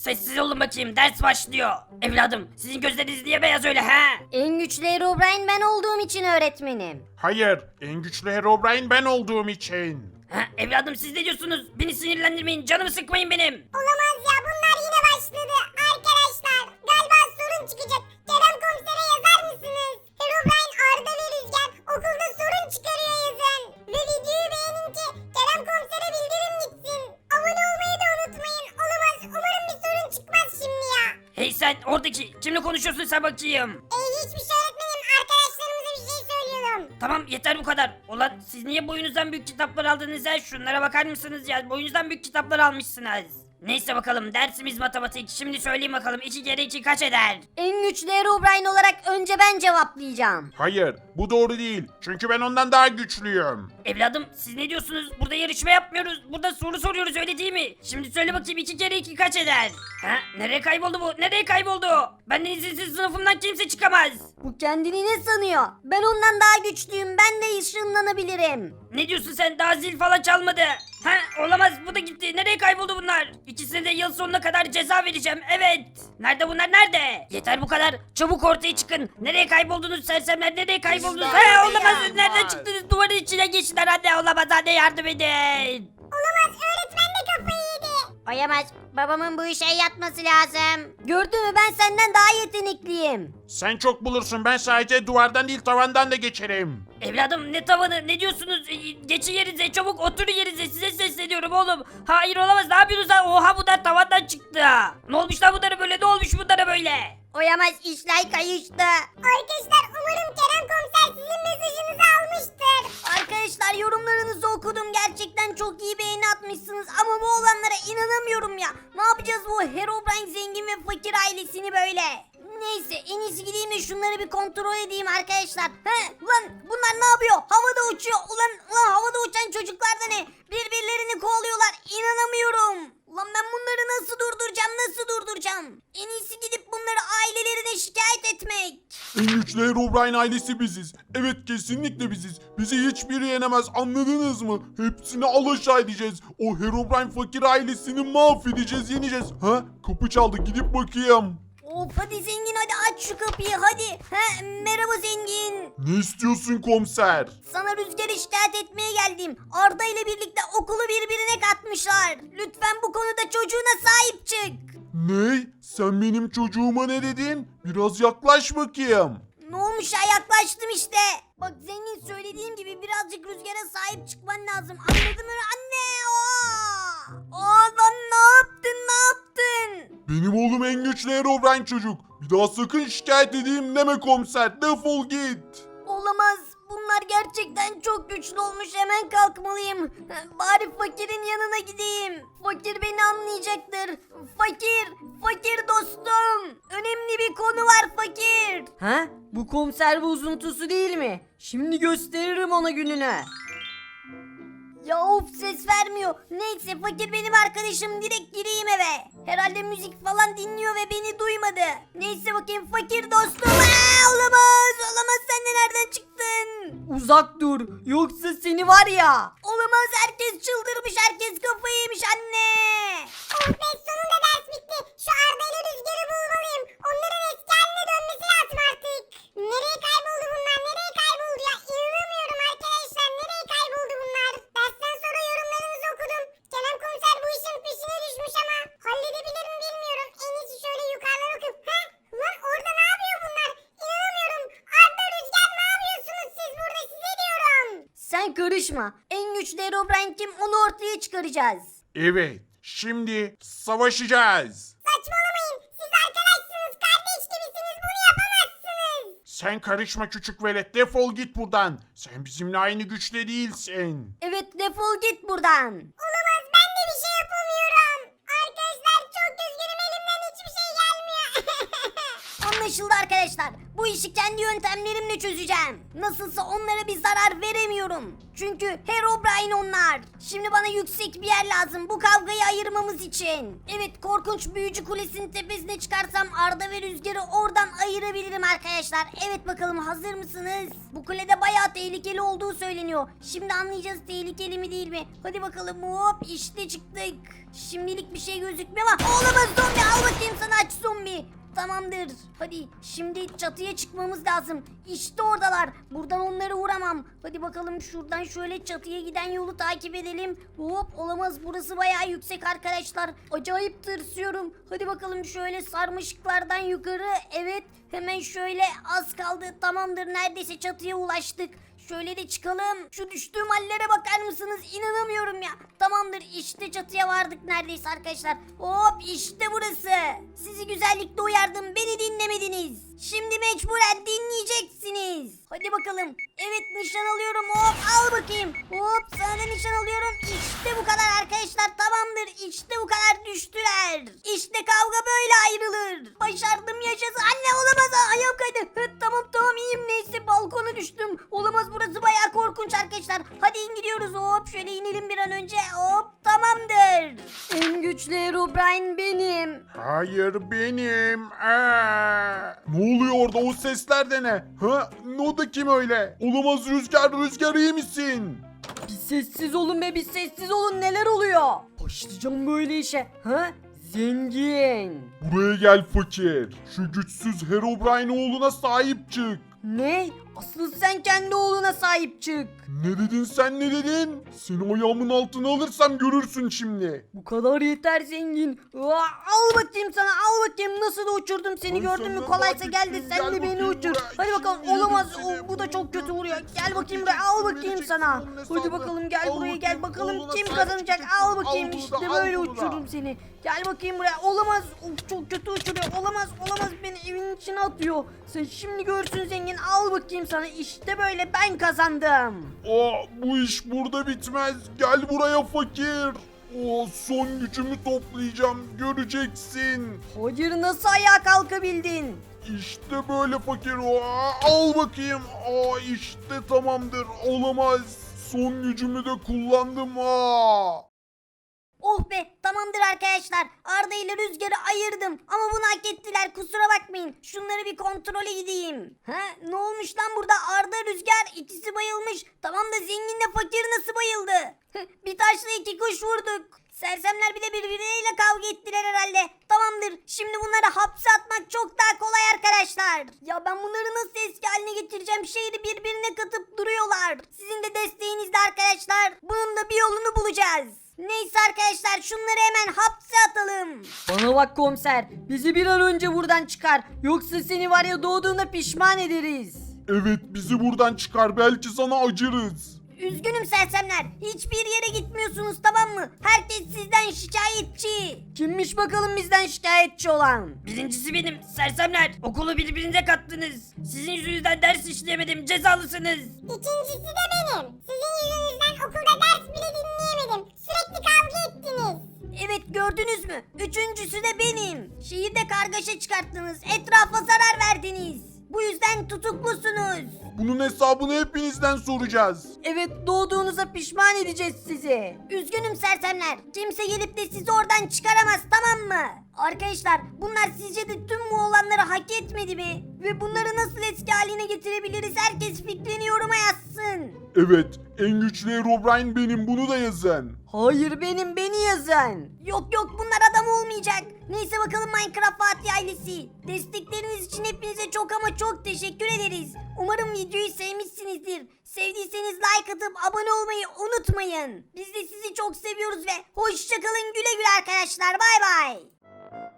Sessiz olun bakayım, ders başlıyor. Evladım, sizin gözleriniz niye beyaz öyle he? En güçlü Herobrine ben olduğum için öğretmenim. Hayır, en güçlü Herobrine ben olduğum için. Ha, evladım siz ne diyorsunuz? Beni sinirlendirmeyin, canımı sıkmayın benim. Olamaz ya, bunlar yine başladı. Arkadaşlar galiba sorun çıkacak. Kerem komisere yazar mısınız? Herobrine, Arda ve Rüzgar okulda sorun çıkarıyor yazın. Ve videoyu beğenin ki Kerem komisere bildirim gitsin. Abone olmayı da unutmayın. Olamaz, umarım bir sorun çıkmaz şimdi ya. Hey sen oradaki, kimle konuşuyorsun sen bakayım? Hiçbir şey öğretmenim, arkadaşlarımıza bir şey söylüyorum. Tamam yeter bu kadar. Ulan siz niye boyunuzdan büyük kitaplar aldınız ya? Şunlara bakar mısınız ya? Boyunuzdan büyük kitaplar almışsınız. Neyse bakalım, dersimiz matematik. Şimdi söyleyeyim bakalım, 2 kere 2 kaç eder? En güçlü Herobrine olarak önce ben cevaplayacağım. Hayır, bu doğru değil. Çünkü ben ondan daha güçlüyüm. Evladım siz ne diyorsunuz? Burada yarışma yapmıyoruz. Burada soru soruyoruz, öyle değil mi? Şimdi söyle bakayım, 2 kere 2 kaç eder? Ha? Nereye kayboldu bu? Nereye kayboldu? Benden izinsiz sınıfımdan kimse çıkamaz. Bu kendini ne sanıyor? Ben ondan daha güçlüyüm. Ben de ışınlanabilirim. Ne diyorsun sen? Daha zil falan çalmadı. Ha, olamaz, bu da gitti. Nereye kayboldu bunlar? İkisine de yıl sonuna kadar ceza vereceğim. Evet. Nerede bunlar, nerede? Yeter bu kadar. Çabuk ortaya çıkın. Nereye kayboldunuz sersemler? Nereye kayboldunuz? İşte He, orada olamaz. ya. Nereden çıktınız? Duvarın içine geçtiler. Anne olamaz. Anne yardım edin. Olamaz, öğretmen de kafayı yedi. Oyamaz. Babamın bu işe yatması lazım. Gördün mü, ben senden daha yetenekliyim. Sen çok bulursun, ben sadece duvardan değil tavandan da geçerim. Evladım ne tavanı, ne diyorsunuz? Geçin yerinize, çabuk oturun yerinize, size sesleniyorum oğlum. Hayır olamaz, ne yapıyorsunuz lan? Oha, bunlar tavandan çıktı. Ne olmuş lan bunlara böyle, ne olmuş bunlara böyle? Oyamaz, işler kayıştı. Arkadaşlar umarım Kerem komiser sizin mesajınızı almıştır. Arkadaşlar, yorumlarınızı okudum. Gerçekten çok iyi beğeni atmışsınız. Ama bu olanlara inanamıyorum ya. Ne yapacağız bu Herobrine zengin ve fakir ailesini böyle? Neyse, en iyisi gideyim de şunları bir kontrol edeyim arkadaşlar. He, ulan bunlar ne yapıyor? Havada uçuyor. Ulan havada uçan çocuklar da ne? Birbirlerini kovalıyorlar. İnanamıyorum. Ulan ben bunları nasıl durduracağım? En iyisi gidip bunları ailelerine şikayet etmek. En güçlü Herobrine ailesi biziz. Evet, kesinlikle biziz. Bizi hiçbiri yenemez, anladınız mı? Hepsini alaşağı edeceğiz. O Herobrine fakir ailesini mahvedeceğiz, yeneceğiz. Ha? Kapı çaldı, gidip bakayım. Of, hadi zengin, hadi aç şu kapıyı hadi. He, merhaba zengin. Ne istiyorsun komiser? Sana Rüzgar'ı şikayet etmeye geldim. Arda ile birlikte okulu birbirine katmışlar. Lütfen bu konuda çocuğuna sahip çık. Ne? Sen benim çocuğuma ne dedin? Biraz yaklaş bakayım. Ne olmuş ya, yaklaştım işte. Bak zengin, söylediğim gibi birazcık Rüzgar'a sahip çıkman lazım. Anladın mı? Anne! Lan ne yaptın? Benim oğlum en güçlü Herobrine çocuk. Bir daha sakın şikayet edeyim deme komiser. Defol git. Olamaz. Bunlar gerçekten çok güçlü olmuş. Hemen kalkmalıyım. Bari fakirin yanına gideyim. Fakir beni anlayacaktır. Fakir dostum. Önemli bir konu var fakir. Ha? Bu konserve uzuntusu değil mi? Şimdi gösteririm ona gününü. Ya of, ses vermiyor. Neyse, fakir benim arkadaşım, direkt gireyim eve. Herhalde müzik falan dinliyor ve beni duymadı. Neyse bakayım, fakir dostum. Olamaz, sen de nereden çıktın? Uzak dur. Yoksa seni var ya. Olamaz, herkes çıldırmış, herkes kafayı yemiş anne. Oh be, sonunda ders bitti. Şu Arda ile Rüzgar'ı bulmalıyım. Onların eski haline dönmesi lazım artık. Nereye kayboldu bunlar? Nereye kayboldu ya? İnanamıyorum arkadaşlar. Nereye kayboldu bunlar? Dersten sonra yorumlarınızı okudum. Kerem komiser bu işin peşine düşmüş ama halledebilir mi bilmiyorum. En iyisi şöyle yukarıdan okuyup. Lan orada ne yapıyor bunlar? İnanamıyorum. Arda, Rüzgar, ne yapıyorsunuz siz burada? Size diyorum. Sen karışma. En güçlü Herobrine kim, onu ortaya çıkaracağız. Evet, şimdi savaşacağız. Saçmalamayın. Siz arkadaşsınız. Kardeş gibisiniz. Bunu yapamazsınız. Sen karışma küçük velet, defol git buradan. Sen bizimle aynı güçte değilsin. Evet, defol git buradan. Olamaz, ben de bir şey yapamıyorum. Arkadaşlar çok üzgünüm, elimden hiçbir şey gelmiyor. Anlaşıldı arkadaşlar. Bu işi kendi yöntemlerimle çözeceğim. Nasılsa onlara bir zarar veremiyorum. Çünkü Herobrine onlar. Şimdi bana yüksek bir yer lazım bu kavgayı ayırmamız için. Evet, korkunç büyücü kulesinin tepesine çıkarsam Arda ve Rüzgar'ı oradan ayırabilirim arkadaşlar. Evet bakalım, hazır mısınız? Bu kulede bayağı tehlikeli olduğu söyleniyor. Şimdi anlayacağız tehlikeli mi değil mi? Hadi bakalım, hop işte çıktık. Şimdilik bir şey gözükmüyor ama olamaz, zombi zombi. Tamamdır. Hadi şimdi çatıya çıkmamız lazım. İşte oradalar. Buradan onları vuramam. Hadi bakalım şuradan şöyle çatıya giden yolu takip edelim. Hop, olamaz, burası bayağı yüksek arkadaşlar. Acayip tırsıyorum. Hadi bakalım şöyle sarmaşıklardan yukarı. Evet, hemen şöyle az kaldı. Tamamdır, neredeyse çatıya ulaştık. Şöyle de çıkalım. Şu düştüğüm hallere bakar mısınız? İnanamıyorum ya. Tamamdır, işte çatıya vardık neredeyse arkadaşlar. Hop, işte burası. Sizi güzellikle uyardım, beni dinlemediniz. Şimdi mecburen dinleyeceksiniz. Hadi bakalım. Evet, nişan alıyorum. Hop, al bakayım. Hop, sana da nişan alıyorum. İşte bu kadar arkadaşlar, tamamdır. İşte bu kadar düştüler. İşte kavga böyle ayrılır. Başardım, yaşasın. Anne, olamaz. Ayağım kaydı. Tamam iyiyim, neyse balkona düştüm. Olamaz, burası bayağı korkunç arkadaşlar. Hadi in, gidiyoruz. Hop, şöyle inelim bir an önce. Hop, tamamdır. En güçlü Herobrine benim. Hayır benim. Ne oluyor orada? O sesler de ne? Ha? O da kim öyle? Olamaz, Rüzgar iyi misin? Bir sessiz olun be, bir sessiz olun, neler oluyor? Başlayacağım böyle işe. Ha? Zengin. Buraya gel fakir. Şu güçsüz Herobrine oğluna sahip çık. Ne? Asıl sen kendi oğluna sahip çık. Ne dedin sen, ne dedin? Seni ayağımın altına alırsam görürsün şimdi. Bu kadar yeter zengin. Al bakayım sana, al bakayım, nasıl da uçurdum seni, Ay, gördün mü? senden Kolaysa daha gel de güçlüyüm. sen Gel de beni bakayım uçur. buraya. Hadi bakalım, Şimdi olamaz. yedim seni. Bu da çok kötü vuruyor. Gel bakayım Vereceksin, buraya, al bakayım vereceksin sana. bunun Hadi hesabını. bakalım, gel Al buraya, gel bakayım, bakalım oğluna kim sahip kazanacak. çıkacaksın. Al bakayım, Al bunu işte da, al böyle bunu da. uçururum seni. Gel bakayım buraya. Olamaz. Of, çok kötü uçuruyor. Olamaz, beni evin içine atıyor. Sen şimdi görsün zengin. Al bakayım sana. İşte böyle ben kazandım. Bu iş burada bitmez. Gel buraya fakir. Son gücümü toplayacağım. Göreceksin. Hayır, nasıl ayağa kalkabildin? İşte böyle fakir. Al bakayım. İşte tamamdır. Olamaz. Son gücümü de kullandım. Oh be, tamamdır arkadaşlar. Arda ile Rüzgar'ı ayırdım. Ama bunu hak ettiler, kusura bakmayın. Şunları bir kontrole gideyim. Ne olmuş lan burada? Arda, Rüzgar ikisi bayılmış. Tamam da zenginle fakir nasıl bayıldı? Bir taşla iki kuş vurduk. Sersemler bile birbirleriyle kavga ettiler herhalde. Tamamdır, şimdi bunları hapse atmak çok daha kolay arkadaşlar. Ya ben bunları nasıl eski haline getireceğim? Şehri birbirine katıp duruyorlar. Sizin de desteğinizle arkadaşlar. Bunun da bir yolunu bulacağız. Neyse arkadaşlar, şunları hemen hapse atalım. Bana bak komiser. Bizi bir an önce buradan çıkar. Yoksa seni var ya, doğduğunda pişman ederiz. Evet, bizi buradan çıkar. Belki sana acırız. Üzgünüm sersemler. Hiçbir yere gitmiyorsunuz, tamam mı? Herkes sizden şikayetçi. Kimmiş bakalım bizden şikayetçi olan? Birincisi benim, sersemler. Okulu birbirinize kattınız. Sizin yüzünüzden ders işleyemedim, cezalısınız. İkincisi de benim. Sizin yüzünüzden okulda ders bile dinleyemedim. Sürekli kavga ettiniz. Evet, gördünüz mü? Üçüncüsü de benim. Şehirde kargaşa çıkarttınız. Etrafa zarar verdiniz. Bu yüzden tutuklusunuz. Bunun hesabını hepinizden soracağız. Evet, doğduğunuza pişman edeceğiz sizi. Üzgünüm sersemler. Kimse gelip de sizi oradan çıkaramaz, tamam mı? Arkadaşlar, bunlar sizce de tüm bu olanları hak etmedi mi? Ve bunları nasıl eski haline getirebiliriz? Herkes fikrini yoruma yazsın. Evet, en güçlü Herobrine benim, bunu da yazın. Hayır, beni yazın. Yok bunlar adam olmayacak. Neyse bakalım Minecraft Fatih ailesi. Destekleriniz için hepinize çok ama çok teşekkür ederiz. Umarım videoyu sevmişsinizdir. Sevdiyseniz like atıp abone olmayı unutmayın. Biz de sizi çok seviyoruz ve hoşçakalın, güle güle arkadaşlar, bay bay.